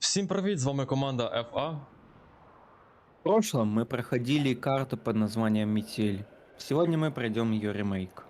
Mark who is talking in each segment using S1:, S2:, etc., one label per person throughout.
S1: Всім привіт, з вами команда FA.
S2: В прошлом мы проходили карту под названием Метель. Сегодня мы пройдем ее ремейк.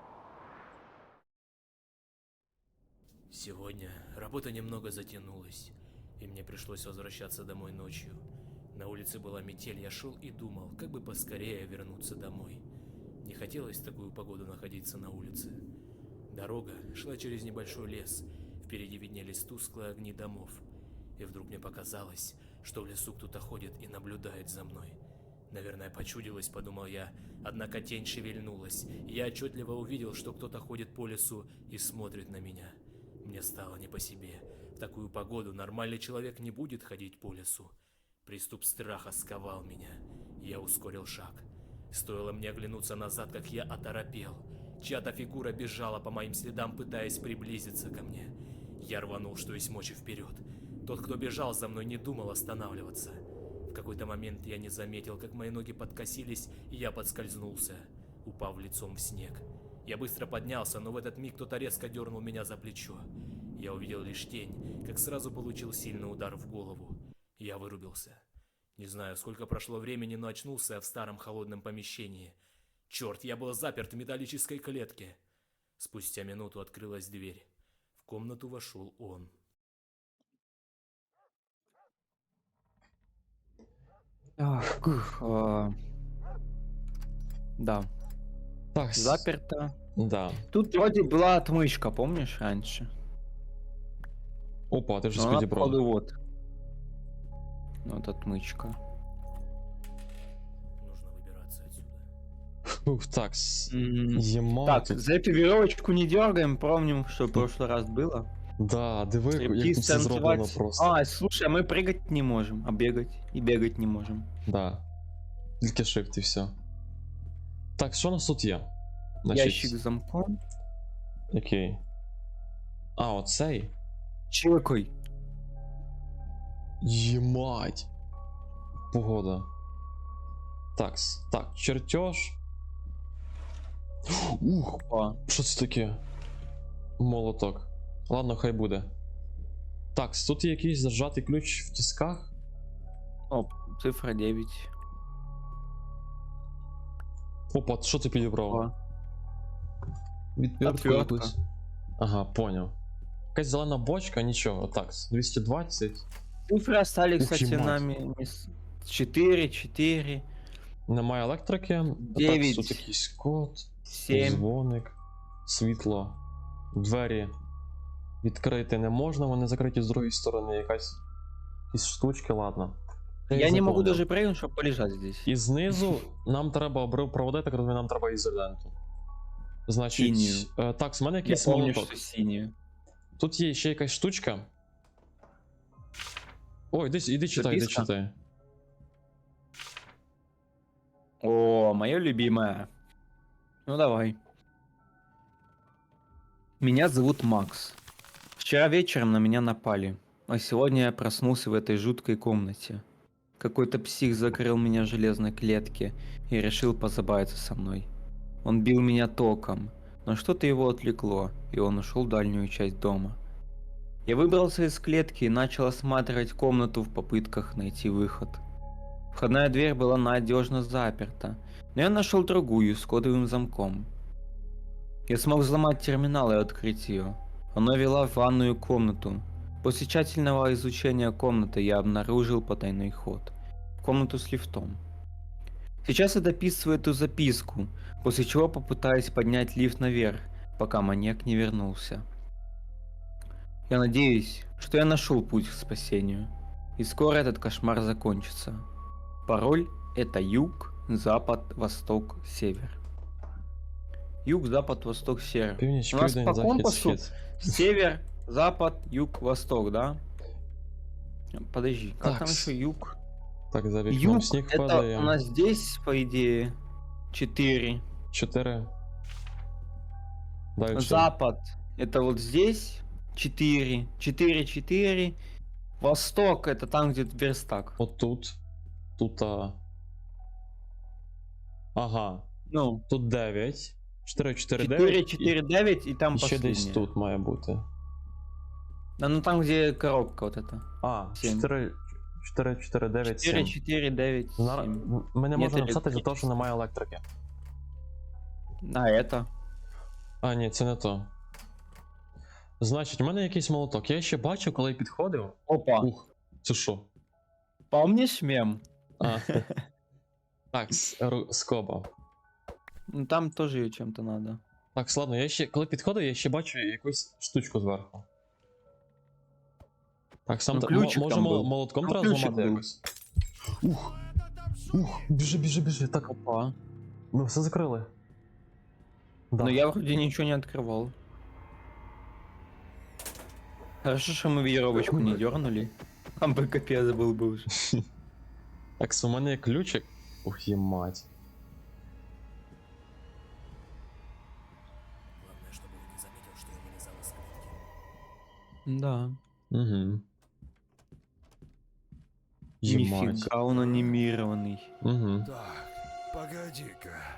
S3: Сегодня работа немного затянулась, и мне пришлось возвращаться домой ночью. На улице была метель, я шел и думал, как бы поскорее вернуться домой. Не хотелось в такую погоду находиться на улице. Дорога шла через небольшой лес, впереди виднелись тусклые огни домов. И вдруг мне показалось, что в лесу кто-то ходит и наблюдает за мной. Наверное, почудилось, подумал я, однако тень шевельнулась, и я отчетливо увидел, что кто-то ходит по лесу и смотрит на меня. Мне стало не по себе. В такую погоду нормальный человек не будет ходить по лесу. Приступ страха сковал меня. Я ускорил шаг. Стоило мне оглянуться назад, как я оторопел. Чья-то фигура бежала по моим следам, пытаясь приблизиться ко мне. Я рванул, что есть мочи, вперед. Тот, кто бежал за мной, не думал останавливаться. В какой-то момент я не заметил, как мои ноги подкосились, и я подскользнулся, упав лицом в снег. Я быстро поднялся, но в этот миг кто-то резко дернул меня за плечо. Я увидел лишь тень, как сразу получил сильный удар в голову. Я вырубился. Не знаю, сколько прошло времени, но очнулся я в старом холодном помещении. Черт, я был заперт в металлической клетке. Спустя минуту открылась дверь. В комнату вошел он.
S2: Так, да,
S1: Так,
S2: заперто.
S1: Да.
S2: Тут вроде была отмычка, помнишь, раньше?
S1: Опа, ти ж
S2: Но она,
S1: підібрав.
S2: походу, вот. Вот отмычка.
S3: Нужно выбираться отсюда.
S1: Ух, так,
S2: М,
S1: єма
S2: Так,
S1: тут.
S2: за эту веревочку не дергаем, помним, что в прошлый раз было.
S1: Да, диви, як тут
S2: Стриптиз
S1: все зроблено
S2: танцевать.
S1: просто.
S2: А, слушай, а мы прыгать не можем, а бегать. И бегать не можем.
S1: Да. Тільки shift і все. Так, що у нас тут є?
S2: Ящик с замком.
S1: Окей. А, оцей?
S2: Чекай.
S1: Ємать. Погода. Так, так, чертеж. Ух,
S2: О,
S1: що це таке? Молоток. Ладно, хай буде. Так, тут є якийсь зажатий ключ в тисках.
S2: о, цифра 9.
S1: Опа, що ти підібрав?
S2: О.
S1: Відвертку
S2: Отвертка.
S1: якусь. Ага, поняв. Якась зелена бочка, нічого. Так, 220.
S2: Цифры стали,
S1: Ух,
S2: кстати,
S1: ебать.
S2: нами 4, 4,
S1: Немає електрики. Так,
S2: 9,
S1: тут якийсь код.
S2: 7.
S1: Дзвоник. Світло. Двері відкрити не можна, вони закриті з другої сторони. Якась штучки, ладно.
S2: Я не могу
S1: заповнив.
S2: даже прыгнуть, чтобы полежать здесь.
S1: І знизу нам треба обрив проводи, так розумію, нам треба ізоленту. Значить,
S2: Синю.
S1: так, з мене
S2: Я
S1: якийсь
S2: помню,
S1: молоток.
S2: что синюю.
S1: Тут є ще якась штучка. Ой, іди читай, іди
S2: Записка?
S1: читай.
S2: О, мое любимое. Ну давай. Меня зовут Макс. Вчера вечером на меня напали, а сегодня я проснулся в этой жуткой комнате. Какой-то псих закрыл меня в железной клетке и решил позабавиться со мной. Он бил меня током, но что-то его отвлекло, и он ушел в дальнюю часть дома. Я выбрался из клетки и начал осматривать комнату в попытках найти выход. Входная дверь была надежно заперта, но я нашел другую с кодовым замком. Я смог взломать терминал и открыть ее. Она вела в ванную комнату. После тщательного изучения комнаты я обнаружил потайной ход. В комнату с лифтом. Сейчас я дописываю эту записку, после чего попытаюсь поднять лифт наверх, пока маньяк не вернулся. Я надеюсь, что я нашел путь к спасению, и скоро этот кошмар закончится. Пароль это юг, запад, восток, север. Юг, запад, восток, север.
S1: Північ,
S2: У нас
S1: південь,
S2: по
S1: захід,
S2: компасу
S1: схід.
S2: север, запад, юг, восток, да? Подожди, как там
S1: Такс.
S2: еще юг?
S1: Так, за вікном
S2: Юг
S1: сніг
S2: это
S1: падає.
S2: у нас здесь, по идее, 4.
S1: 4. Дальше.
S2: Запад это вот здесь 4. 4, 4. Восток это там, где верстак.
S1: Отут. Тут. Ага.
S2: Ну,
S1: Тут 9. 4, 4,
S2: 4,
S1: 9.
S2: 4, 9 и там
S1: І ще десь
S2: последнее.
S1: тут має бути.
S2: Да, ну там, где коробка вот эта.
S1: А,
S2: Сім.
S1: 4, 9,
S2: 4,
S1: 7.
S2: 4, 9, 7.
S1: Ми не
S2: Ні,
S1: можемо написати за те, що
S2: електричество.
S1: немає електрики.
S2: А это?
S1: А, ні, це не то. Значить, в мене якийсь молоток. Я ще бачив, коли підходив.
S2: Опа.
S1: Ух, це що?
S2: Помнишь мем?
S1: А. Так, скоба.
S2: Ну там тоже ее чем-то надо.
S1: Так, ладно, я ще, коли підходив, я ще бачу якусь штучку зверху. Так, сам
S2: Ну,
S1: та-
S2: ключик
S1: може
S2: там був.
S1: молотком
S2: Там
S1: треба
S2: ключик
S1: зламати
S2: був.
S1: якось. Ух, біжи. Так,
S2: Опа.
S1: ми все закрили. Да.
S2: Но я вроде ничего не открывал. Хорошо, что мы веревочку не дернули. Там бы капец был бы уже.
S1: Так, у мене є ключик. Ух, ємать.
S3: Главное, чтобы он не заметил, что я вылезал из клетки.
S2: Да.
S1: Угу. Ємать.
S2: Нифига он анимированный.
S1: Угу.
S4: Так, погоди-ка.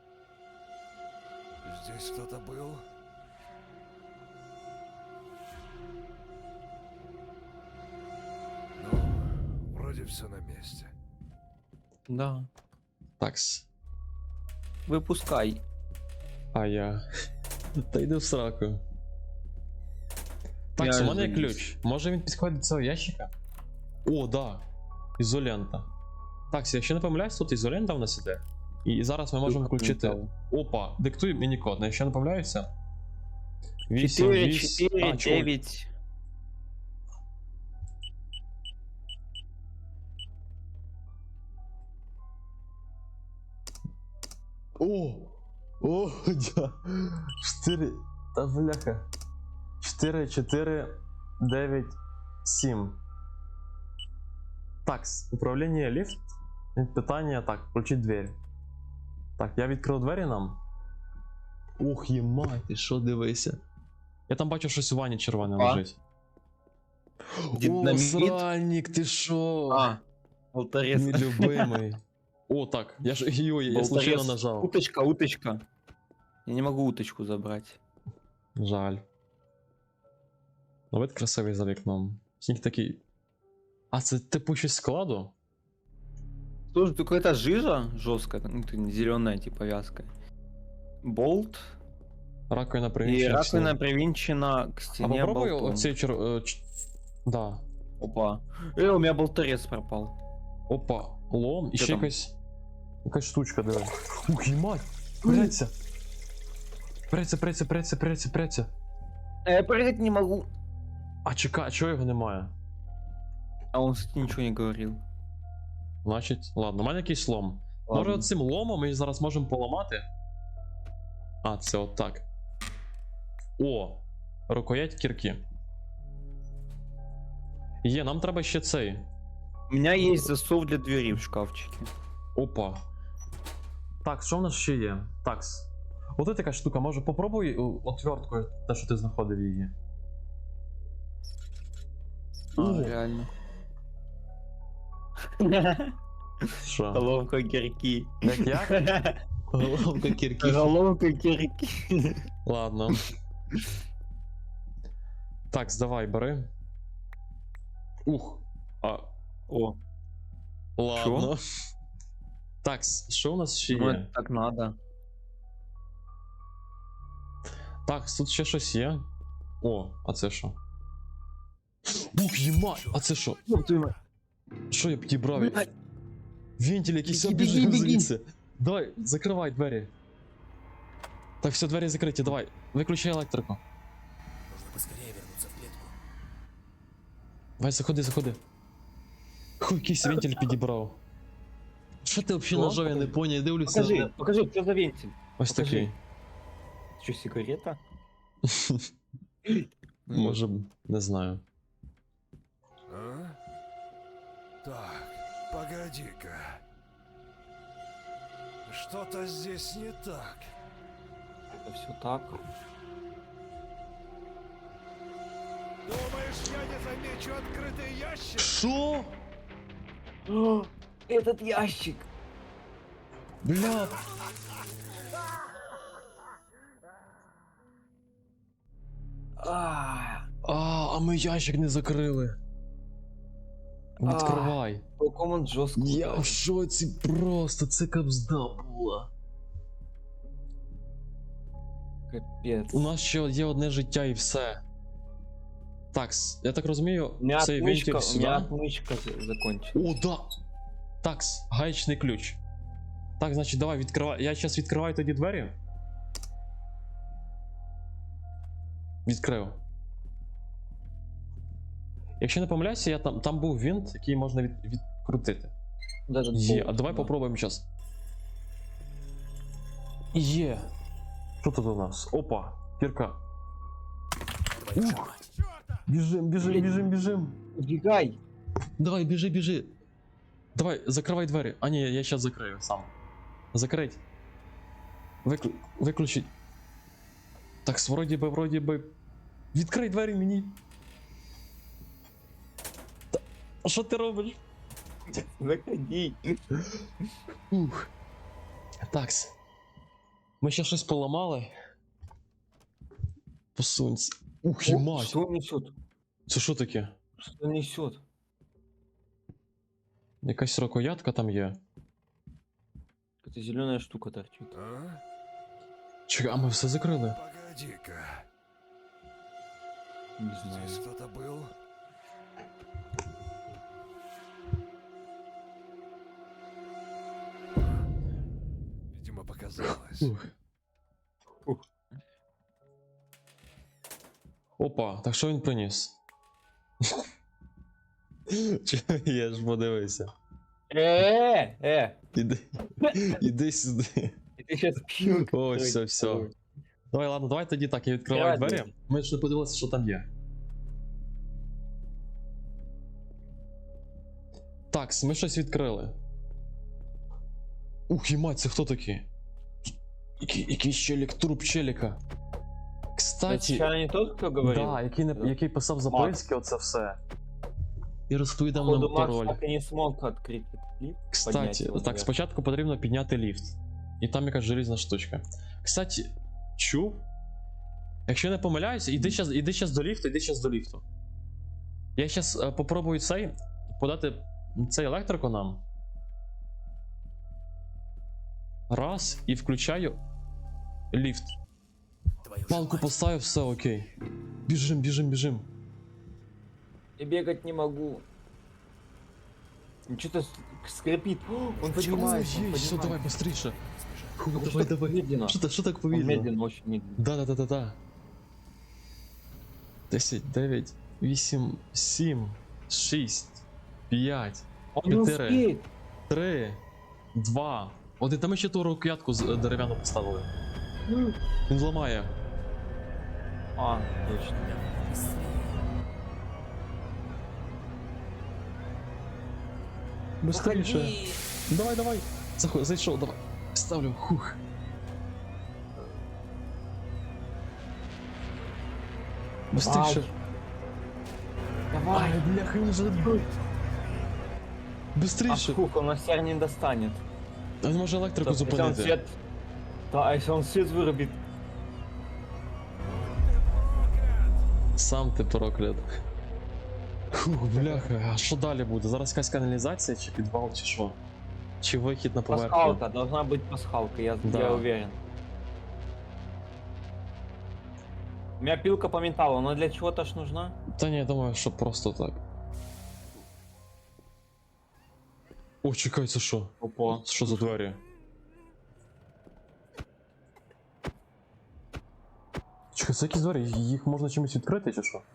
S4: Здесь кто-то был? Ну, вроде все на месте.
S2: Да.
S1: Такс.
S2: Выпускай.
S1: А я. Та йди в сраку. Так,
S2: Я
S1: у мене є
S2: заліз.
S1: ключ. Може він підходить до цього ящика? О, да. Ізолента. Так, якщо не помиляюсь, тут ізолента в нас іде. І зараз ми можемо включити. Опа, диктуй мені код. Якщо не помиляюся. 8,
S2: 4,
S1: 8.
S2: 4,
S1: А, чого?
S2: 9.
S1: О! О, да. 4. Та бляха. 4, 4, 9, 7. Так, управління ліфт. Питання, так, включіть двері. Так, я відкрив двері нам. Ух, ємай, ти що дивися. Я там бачу щось у ванні червоне
S2: А?
S1: лежить. О,
S2: Динамит?
S1: сральник, ти що?
S2: А, алтарец.
S1: Мій любимий. О, так, я ж йой, я
S2: Болторез.
S1: случайно нажав.
S2: Уточка, уточка. Я не могу уточку забрать.
S1: Жаль. Ну, вид красивий за вікном. Сніг такий. А це типу щось складу?
S2: Слушай, тут какая-то жижа жесткая, ну, зеленая типа вязкая. Болт.
S1: Раковина
S2: И
S1: приміщення.
S2: раковина привинчена к
S1: А
S2: стене
S1: попробуй
S2: болтом.
S1: оцей Да.
S2: Опа. У меня болторез пропал.
S1: Опа, лом, і
S2: Що
S1: ще
S2: там?
S1: якась штучка, диви. Ух, їмать! Преться! Преться.
S2: Я прыгать не могу.
S1: А чекай, а чого його немає?
S2: А он, кстати, ничего не говорил.
S1: Значить, ладно, у мене якийсь лом. Може
S2: Ладно.
S1: оцим ломом ми зараз можемо поламати? А, це отак. О! Рукоять кірки. Є, нам треба ще цей.
S2: У меня есть засов для двери в шкафчике.
S1: Опа. Так, що в нас ще є? Такс. От така штука, може попробуй отверткою те, що ти знаходив її.
S2: А,
S1: О.
S2: реально.
S1: Що?
S2: Головка кирки.
S1: Як я? Головка кірки.
S2: Головка кирки.
S1: Ладно. Так, давай, бери. Ух. А,
S2: О,
S1: ладно. Так, що у нас ще
S2: ну
S1: є?
S2: это так надо.
S1: Так, тут ще щось є. О, а це що? Ух, їмать! А це що? Що я підібрав?
S2: Блядь.
S1: Вентиль якийсь
S2: Біги,
S1: біжив
S2: біги, біги.
S1: звідси. Давай, закривай двері. Так, все, двері закриті, давай. Виключай електрику.
S3: Нужно поскорее вернуться в клетку.
S1: Давай, заходи. Хуй, якийсь вентиль підібрав. Що ти взагалі нажав, я не поняв, я дивлюся.
S2: Покажи, что за вентиль.
S1: Ось
S2: покажи.
S1: такий.
S2: Что, сигарета?
S1: Може, не знаю.
S4: А? Так, погоди-ка. Что-то здесь не так.
S2: Это все так.
S4: Думаешь, я не замечу открытый ящик?
S1: Що?
S2: Этот ящик.
S1: Бля. А ми ящик не закрили. Відкривай.
S2: Какому он жестко.
S1: Я в шоці просто, це кабзда була.
S2: Капец.
S1: У нас ще є одне життя і все. Так, я так розумію,
S2: У меня
S1: цей
S2: отмычка,
S1: винтик
S2: у
S1: сюди.
S2: меня отмычка закончилась.
S1: О, да! Такс, гаечний ключ. Так, значить, давай відкривай. Я зараз відкриваю тоді двері. Відкрив. Якщо не помиляюся, я там був винт, який можна відкрутити.
S2: Даже
S1: Є,
S2: болт,
S1: а давай
S2: да.
S1: попробуємо зараз. Є. Що тут у нас? Опа, кірка.
S3: Твою
S1: Ух.
S3: мать.
S1: Біжим, біжим, біжим, біжим.
S2: Убегай.
S1: Давай, біжи, біжи. Давай, закривай двері. А ні, я зараз закрию сам. Закрить. Виключить. Так, вроді би. Відкрий двері мені. А що ти робиш?
S2: Заходи.
S1: Ух. Такс. Ми ще щось поламали. Посунься. Ух, їмать.
S2: Что несет?
S1: Це що таке?
S2: Что несет?
S1: Якась рукоятка там є.
S2: Какая-то зеленая штука торчит.
S4: А?
S1: Чекай, а ми все закрили.
S4: Погоди-ка.
S2: Не знаю.
S4: Здесь кто-то был? Видимо, показалось.
S1: Ух. Опа, так що він приніс? Є ж, подивися. Іди сюди.
S2: Ты сейчас пилка.
S1: О, все. Давай, ладно, давай тоді так, я відкриваю
S2: Відкривай
S1: двері. Ми ж не подивилися, що там є. Так, ми щось відкрили. Ух, їмать, це хто такий? Якийсь челік, труп челіка. Кстати,
S2: Сначала не тот, кто говорил?
S1: да, який писав записки, оце все. І розповідав
S2: Походу,
S1: нам
S2: Макс
S1: пароль.
S2: так и не смог открыть этот лифт. поднять
S1: Кстати,
S2: его
S1: так,
S2: наверх.
S1: спочатку потрібно підняти ліфт. І там якась желізна штучка. Кстати, чув? Якщо не помиляюся, іди щас до ліфту, Я щас попробую подати цей електрику нам. Раз, і включаю ліфт.
S3: Твою ж
S1: Палку
S3: мать.
S1: поставив, все окей. Біжим.
S2: Я бегать не могу. Что-то скрипит. Он поднимается. он
S1: Все, давай,
S2: поднимается.
S1: быстріше. Фу,
S2: Ну,
S1: давай,
S2: что так медленно?
S1: Що так
S2: Он
S1: повільно?
S2: медленно, очень медленно.
S1: Да. 10, 9, 8, 7, 6, 5,
S2: Он не
S1: 4.
S2: успеет.
S1: 3, 2, 1. Та ми ще ту рукоятку дерев'яну поставили. Він зламає.
S2: А, точно.
S3: Давай быстрее.
S1: Быстріше.
S2: Уходи.
S1: Давай. Зайшов, давай. Ставлю. Хух. Быстріше.
S2: Давай.
S1: Ай, бляха, він же бив.
S2: А
S1: Быстріше.
S2: фух, он нас теперь не достанет.
S1: А він може електрику
S2: Если он
S1: зупинити.
S2: свет... Да, а если он свет вырубит?
S1: Сам ти проклят. Фух, бляха, а що далі буде? Зараз якась каналізація чи підвал, чи що? Чи вихід на поверхню?
S2: Пасхалка, должна быть пасхалка, я
S1: Да.
S2: уверен. У меня пилка по металлу, она для чего-то ж нужна?
S1: Та ні, я думаю, що просто так. О, чекай, це що?
S2: Опа.
S1: Що за двері? Чекай, це якісь двері, їх можна чимось відкрити, чи що?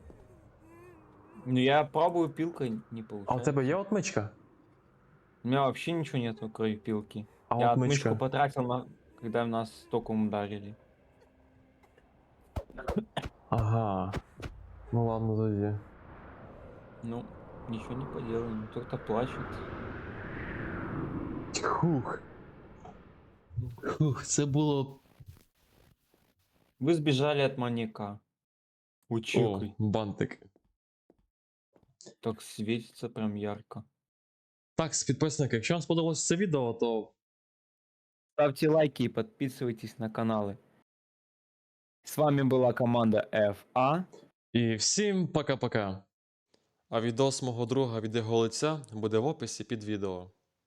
S2: Ну я пробую пилкой, не
S1: А
S2: получается.
S1: у тебе є отмичка?
S2: У меня вообще ничего нету, кроме пилки.
S1: А
S2: Я
S1: отмичка?
S2: отмычку потратил, когда нас током ударили.
S1: Ага. Ну ладно, тоді.
S2: Ну, ничего не поделаем, кто-то плачет.
S1: Хух, це було...
S2: Вы сбежали от маньяка.
S1: О,
S2: Училкой.
S1: бантик.
S2: Так светится прям ярко.
S1: Так, підписники, якщо вам сподобалось це відео, то
S2: Ставьте лайки и подписывайтесь на каналы. С вами была команда FA.
S1: І всім пока-пока. А відос мого друга від його лиця буде в описі під відео.